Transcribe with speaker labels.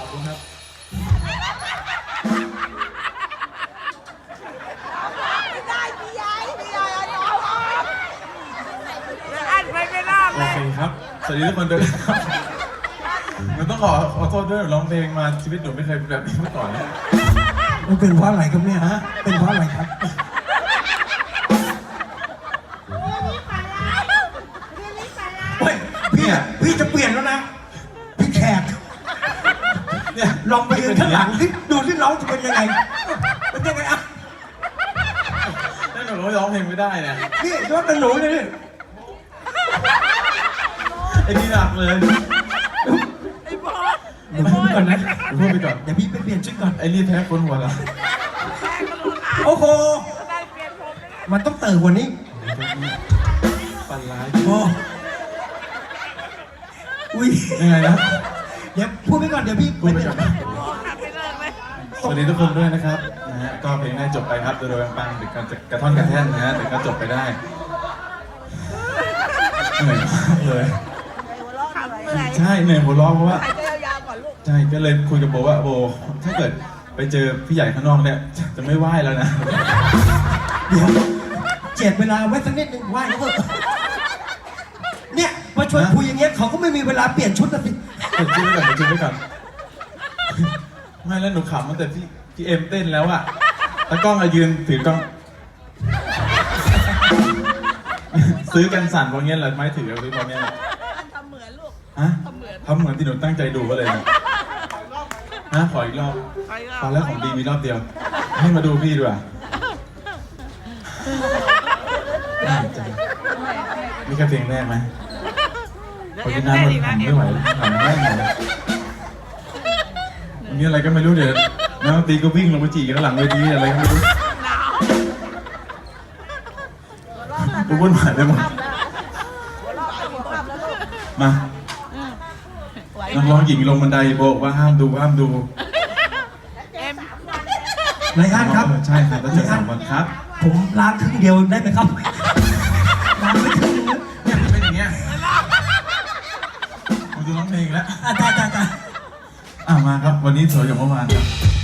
Speaker 1: คุณครับ
Speaker 2: ไม่ได้พี่ใหญ่น้องอันไปไม่รอด
Speaker 1: โอ
Speaker 2: เลย
Speaker 1: เคครับสวัสดีทุกคนด้วยครับหนูต้องขอโทษด้วยร้องเพลงมาชีวิตหนูไม่เคยเป็นแบบนี้มาก่อนนะ
Speaker 3: มันเป็นเพราะอะไรครับเนี่ยฮะเป็นเพราะอะไรครับเฮ้ยพี่จะเปลี่ยนแล้วนะพี่แขก
Speaker 1: เนี่ย
Speaker 3: ลองไปยืนข้างหลังที่ดูที่น้องจะเป็นยังไงเป็นยังไงอ่ะ
Speaker 1: ถ้าหนูร้องเพลงไม่ได้เนี่ย
Speaker 3: นี่ยกเป็นหนูเลยนี่
Speaker 1: ไอ้นี่หนักเลย
Speaker 2: ไอ้บอส
Speaker 3: เดี๋ยวพูดก่อนนะ
Speaker 1: หนูพูดไปก่อน
Speaker 3: เดี๋ยวพี่ไปเปลี่ยนชุดก่อน
Speaker 1: ไอ้นี่แพ้คนหัวละ
Speaker 2: แม่ก็รู้อ่ะ
Speaker 3: โอ้โห
Speaker 2: ได้เปลี่ยนผมเลย
Speaker 3: มันต้องเติมกว่านี้
Speaker 1: ปันร้าย
Speaker 3: โอ้อุ้ย
Speaker 1: ยังไงนะ
Speaker 3: เดี๋ยวพูดไปก่อนเดี๋ยวพี่
Speaker 1: พูดไปก่อน
Speaker 2: บอกหักไปเลยไหม
Speaker 1: สวัสดีทุกคนด้วยนะครับนะฮะก็เพลงได้จบไปครับโดยปังๆหรือกระท่อนกระแท่นนะฮะแต่ก็จบไปได้เหนื่อยมากเลย
Speaker 2: หัวเราะเหนื่อย
Speaker 1: ใช่เหนื่อยหัวเร้องเพราะว่า
Speaker 2: หายใจยาวๆก่อนลูก
Speaker 1: ใช่ก็เลยคุยกับโบว่าโบถ้าเกิดไปเจอพี่ใหญ่ข้างนอกเนี่ยจะไม่ไหว้แล้วนะ
Speaker 3: เดี๋ยวเจ็ดเวลาไว้สักนิดนึงไหวเขาเถอะเนี่ยมาชวนคุยอย่างเงี้ยเขาก็ไม่มีเวลาเปลี่ยนชุดนะสิ
Speaker 1: เดี๋ยวจิ้มไว้ก่อนเดี๋ยวจิ้มไว้ก่อนไม่แล้วหนูขำตั้งแต่พี่เอ็มเต้นแล้วอะแล้วกล้องอะยืนถือกล้อง ซื้อกันสั่นเพราะเงี้ยเหรอไม่ถือหรือเพราะเงี้ยเหรอ
Speaker 2: ทำเหมือนลูก
Speaker 1: ฮะทำเหมือนที่หนูตั้งใจดูก็เลยนะฮะขออีกรอบตอนแรกของดีมีรอบเดียว ให้มาดูพี่ด้วยนี่แค่เพลงแรกไหมพอกินน้ำมันทำไม่ไหวทำไม่ไหววันนี้อะไรก็ไม่รู้เดี๋ยวนักดนตรีก็วิ่งลงไปจีกันข้างหลังเวทีอะไรก็ไม่รู้
Speaker 2: หนาว
Speaker 1: กูวุ่นวายไปหมด
Speaker 2: หัวเราะหัวเราะแล้วลูก
Speaker 1: มานักร้องหญิงลงบันไดโบกว่าห้ามดูห้ามดู
Speaker 2: เอ็ม
Speaker 3: ไรอันครับ
Speaker 1: ใช่ครับแล้วเจอสามวันครับ
Speaker 3: ผมล้างครึ่งเดียวได้ไหมครับล้างไม่ครึ่งนึงนะ
Speaker 1: เนี่ยมันเป็นอย่างเงี้ยกูจะร้องเพลงแล้ว
Speaker 3: จ้า
Speaker 1: มาครับ วันนี้สวยกว่าเมื่อวานครับ